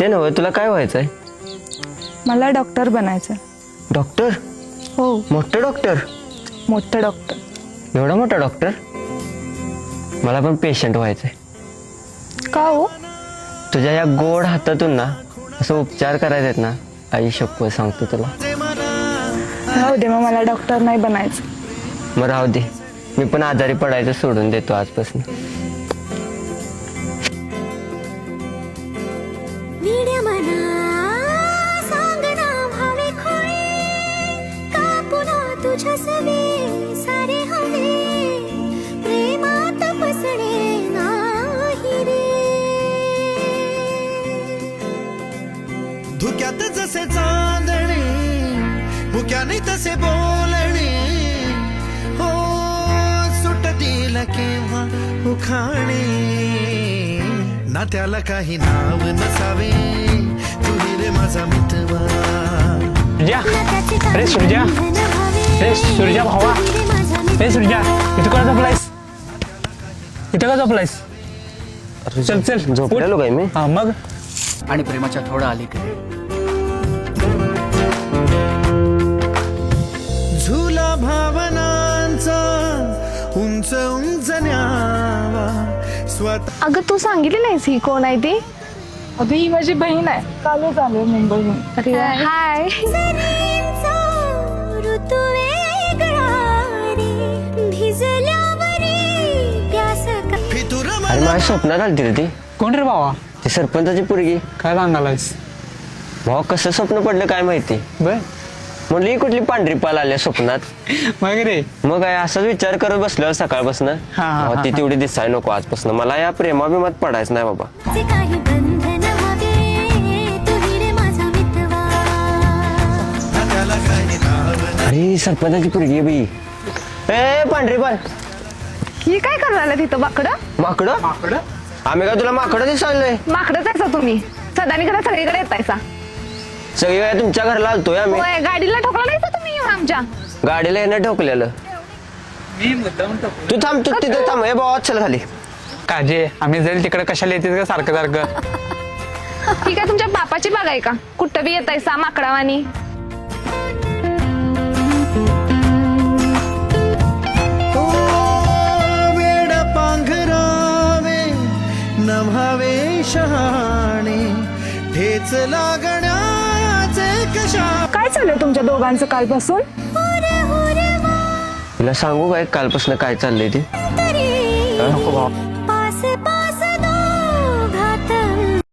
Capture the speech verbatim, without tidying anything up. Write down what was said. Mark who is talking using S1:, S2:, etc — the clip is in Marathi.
S1: ते नव्हे, तुला काय व्हायचंय?
S2: मला डॉक्टर बनायचं.
S1: डॉक्टर?
S2: हो,
S1: मोठं डॉक्टर?
S2: मोठं डॉक्टर.
S1: एवढा मोठा डॉक्टर? मला पण पेशंट व्हायचंय.
S2: का हो?
S1: तुझ्या या गोड हातातून ना असं उपचार करायचे आहेत ना, आई शप्पथ सांगतो तुला.
S2: राहू दे, मग मला डॉक्टर नाही बनायचं.
S1: मग राहू दे, मी पण आजारी पडायचं सोडून देतो आजपासून.
S3: धुक्यात जसे चांदणे, मुक्याने तसे बोलणे, हो सुटतील केव्हा उखाणे. ना त्याला काही नाव नसावे, तू रे माझा मितवा.
S4: अरे सुरजा, अरे सुरजा भावा, अरे सुरजा, इथं का झोपलायस? इथं का झोपलायस? चल चल,
S1: झोपलेलो काय मी?
S4: हा मग.
S5: आणि प्रेमाच्या थोडा अलीकडे
S3: झुला भावनांचा उंच उंच न्यावा स्वतः.
S6: अगं तू सांगितली नाहीस ही कोण आहे ती?
S2: अगं ही माझी बहीण आहे, कालच आलो मुंबईहून.
S6: अरे हाय.
S3: फितुर
S1: अरे माझ्या स्वप्नात आलती रे ती.
S4: कोण रे भावा?
S1: ती सरपंचाची पोरगी.
S4: काय सांगालायस?
S1: भाऊ कसं स्वप्न पडलं काय माहिती.
S4: बर
S1: म्हणलं ही कुठली पांढरी पाल आल्या स्वप्नात.
S4: मग रे
S1: मग काय असाच विचार करत बसलो सकाळपासून.
S4: हा, हा,
S1: ती तेवढी दिसाय नको आजपासून. मला या प्रेमाभिमात पडायचं नाही बाबा.
S3: त्याला काही नाव
S1: अरे सरपंचाची पोरगी आहे बाई. ए पांढरी पाल,
S6: ही काय करायला तिथं माकडं?
S1: माकडं?
S4: माकडं?
S1: आम्ही काय तुला माकडं दिसायलोय?
S6: माकडंच आहे तुम्ही. सदानी कदा सगळीकडे येतायसा.
S1: सगळी वेळा तुमच्या घरला आलतोय आम्ही.
S6: होय, गाडीला ठोकला नाही का तुम्ही येऊन आमच्या?
S1: गाडीला येणं ठोकलेलं.
S4: मी मुद्दाम
S1: तू थांब, तू तिथे थांब. हे भावा चल खाली.
S4: काजे आम्ही जाईल तिकडे कशाला येतेस का सारखं सारखं?
S6: ही काय तुमच्या बापाची बाग आहे का? कुठं बी येतायसा माकडावानी.
S3: वेड पांघरावे नभावे शहाणे, ठेच लागण्याचे कशा.
S2: काय चाललंय तुमच्या दोघांचं कालपासून?
S1: तुला सांगू काय कालपासून काय चाललंय ते?
S4: नको भावा.